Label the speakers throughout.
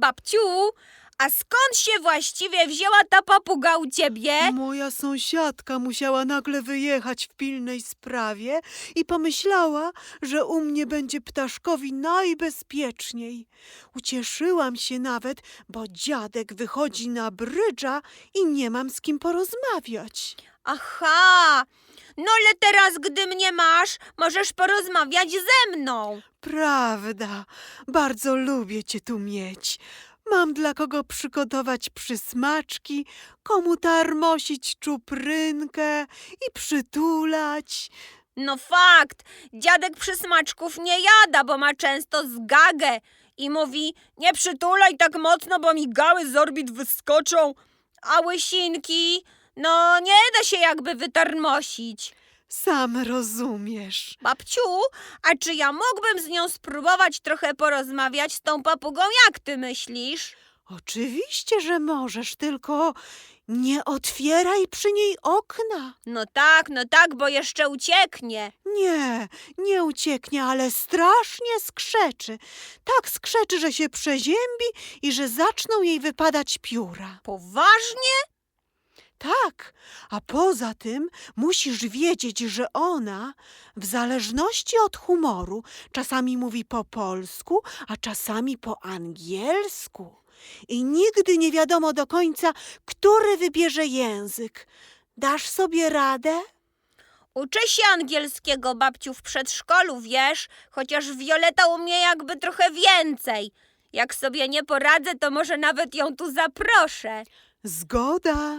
Speaker 1: babciu, a skąd się właściwie wzięła ta papuga u ciebie?
Speaker 2: Moja sąsiadka musiała nagle wyjechać w pilnej sprawie i pomyślała, że u mnie będzie ptaszkowi najbezpieczniej. Ucieszyłam się nawet, bo dziadek wychodzi na brydża i nie mam z kim porozmawiać.
Speaker 1: Aha, no ale teraz, gdy mnie masz, możesz porozmawiać ze mną.
Speaker 2: Prawda, bardzo lubię cię tu mieć. Mam dla kogo przygotować przysmaczki, komu tarmosić czuprynkę i przytulać.
Speaker 1: No fakt, dziadek przysmaczków nie jada, bo ma często zgagę i mówi: nie przytulaj tak mocno, bo mi gały z orbit wyskoczą, a łysinki, no nie da się jakby wytarmosić.
Speaker 2: Sam rozumiesz.
Speaker 1: Babciu, a czy ja mógłbym z nią spróbować trochę porozmawiać z tą papugą, jak ty myślisz?
Speaker 2: Oczywiście, że możesz, tylko nie otwieraj przy niej okna.
Speaker 1: No tak, bo jeszcze ucieknie.
Speaker 2: Nie ucieknie, ale strasznie skrzeczy. Tak skrzeczy, że się przeziębi i że zaczną jej wypadać pióra.
Speaker 1: Poważnie?
Speaker 2: Tak, a poza tym musisz wiedzieć, że ona, w zależności od humoru, czasami mówi po polsku, a czasami po angielsku. I nigdy nie wiadomo do końca, który wybierze język. Dasz sobie radę?
Speaker 1: Uczę się angielskiego, babciu, w przedszkolu, wiesz? Chociaż Wioleta umie jakby trochę więcej. Jak sobie nie poradzę, to może nawet ją tu zaproszę.
Speaker 2: Zgoda.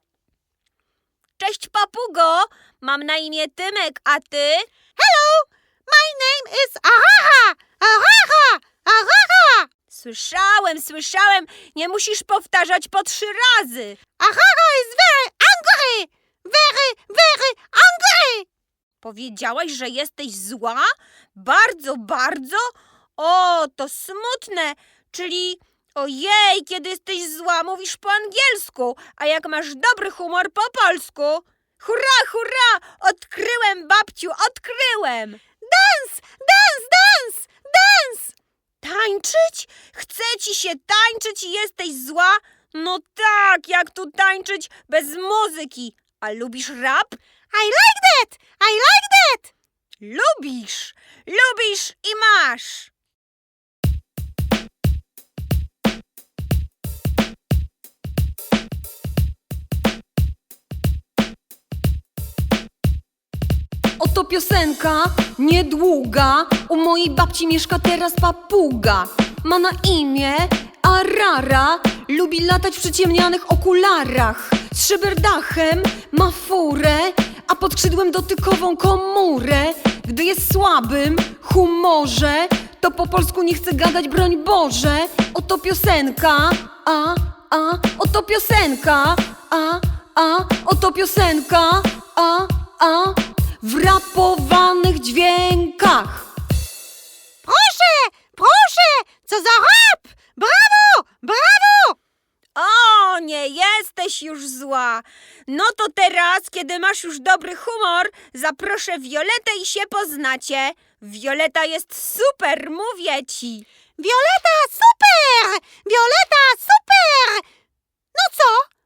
Speaker 1: Cześć, papugo! Mam na imię Tymek, a ty?
Speaker 2: My name is Ahaha! Ahaha! Ahaha!
Speaker 1: Słyszałem. Nie musisz powtarzać po 3 razy.
Speaker 2: Ahaha is very angry! Very angry!
Speaker 1: Powiedziałaś, że jesteś zła? Bardzo, bardzo? O, to smutne. Czyli, ojej, kiedy jesteś zła, mówisz po angielsku, a jak masz dobry humor, po polsku. Hurra! Odkryłem, babciu, odkryłem!
Speaker 2: Dance!
Speaker 1: Tańczyć? Chce ci się tańczyć i jesteś zła? No tak, jak tu tańczyć bez muzyki. A lubisz rap?
Speaker 2: I like that!
Speaker 1: Lubisz i masz. Oto piosenka niedługa. U mojej babci mieszka teraz papuga. Ma na imię Arara. Lubi latać w przyciemnianych okularach. Z szyberdachem ma furę, a pod skrzydłem dotykową komórę. Gdy jest w słabym humorze, to po polsku nie chce gadać, broń Boże. Oto piosenka, oto piosenka, oto piosenka, w rapowanych dźwiękach.
Speaker 2: Proszę! Co za rap! Brawo!
Speaker 1: O, nie jesteś już zła. No to teraz, kiedy masz już dobry humor, zaproszę Violetę i się poznacie. Violeta jest super, mówię ci.
Speaker 2: Violeta, super! No co?